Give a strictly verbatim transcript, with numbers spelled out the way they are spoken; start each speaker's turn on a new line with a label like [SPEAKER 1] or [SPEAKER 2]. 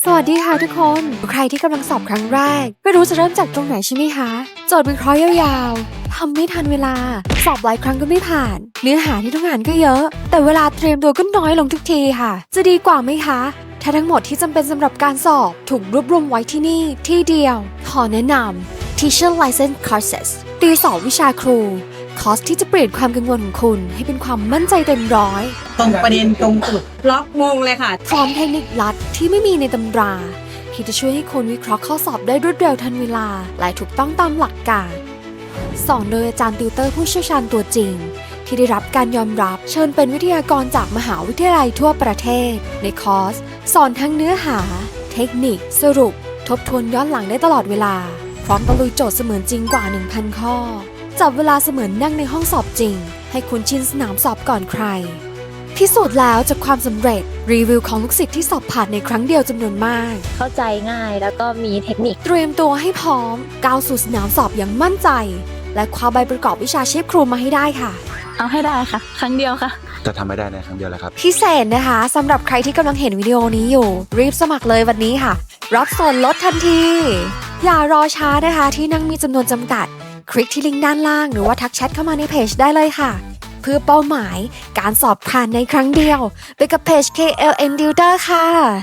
[SPEAKER 1] สวัสดีค่ะทุกคนใครที่กำลังสอบครั้งแรกไม่รู้จะเริ่มจากตรงไหนใช่ไหมคะโจทย์วิเคราะห์ยาวๆทำไม่ทันเวลาสอบหลายครั้งก็ไม่ผ่านเนื้อหาที่ต้องอ่านก็เยอะแต่เวลาเตรียมตัวก็น้อยลงทุกทีค่ะจะดีกว่าไหมคะถ้าทั้งหมดที่จำเป็นสำหรับการสอบถูกรวบรวมไว้ที่นี่ที่เดียวขอแนะนำ Teacher License Courses ตีสอบวิชาครูคอร์สที่จะเปลี่ยนความกังวลของคุณให้เป็นความมั่นใจเต็มร้อย
[SPEAKER 2] ตรงประเด็นตรงจุดล็อกมงเลยค่ะ
[SPEAKER 1] พร้อมเทคนิคลัดที่ไม่มีในตำราที่จะช่วยให้คุณวิเคราะห์ข้อสอบได้รวดเร็วทันเวลาและถูกต้องตามหลักการสอนโดยอาจารย์ติวเตอร์ผู้เชี่ยวชาญตัวจริงที่ได้รับการยอมรับเชิญเป็นวิทยากรจากมหาวิทยาลัยทั่วประเทศในคอร์สสอนทั้งเนื้อหาเทคนิคสรุปทบทวนย้อนหลังได้ตลอดเวลาพร้อมตะลุยโจทย์เสมือนจริงกว่า หนึ่งพัน ข้อจับเวลาเสมือนนั่งในห้องสอบจริงให้คุณชินสนามสอบก่อนใครพิสูจน์แล้วจากความสำเร็จรีวิวของลูกศิษย์ที่สอบผ่านในครั้งเดียวจำนวนมาก
[SPEAKER 3] เข้าใจง่ายแล้วก็มีเทคนิค
[SPEAKER 1] เตรียมตัวให้พร้อมก้าวสู่สนามสอบอย่างมั่นใจและคว้าใบประกอบวิชาชีพครูมาให้ได้ค่ะ
[SPEAKER 3] เอาให้ได้ค่ะครั้งเดียวค่ะ
[SPEAKER 4] จะทำไม่ได้ในครั้งเดียวแหละครับ
[SPEAKER 1] พิเศษนะคะสำหรับใครที่กำลังเห็นวิดีโอนี้อยู่รีบสมัครเลยวันนี้ค่ะรับส่วนลดทันทีอย่ารอช้านะคะที่นั่งมีจำนวนจำกัดคลิกที่ลิงก์ด้านล่างหรือว่าทักแชทเข้ามาในเพจได้เลยค่ะเพื่อเป้าหมายการสอบผ่านในครั้งเดียวไปกับเพจ เค แอล เอ็น Tutor ค่ะ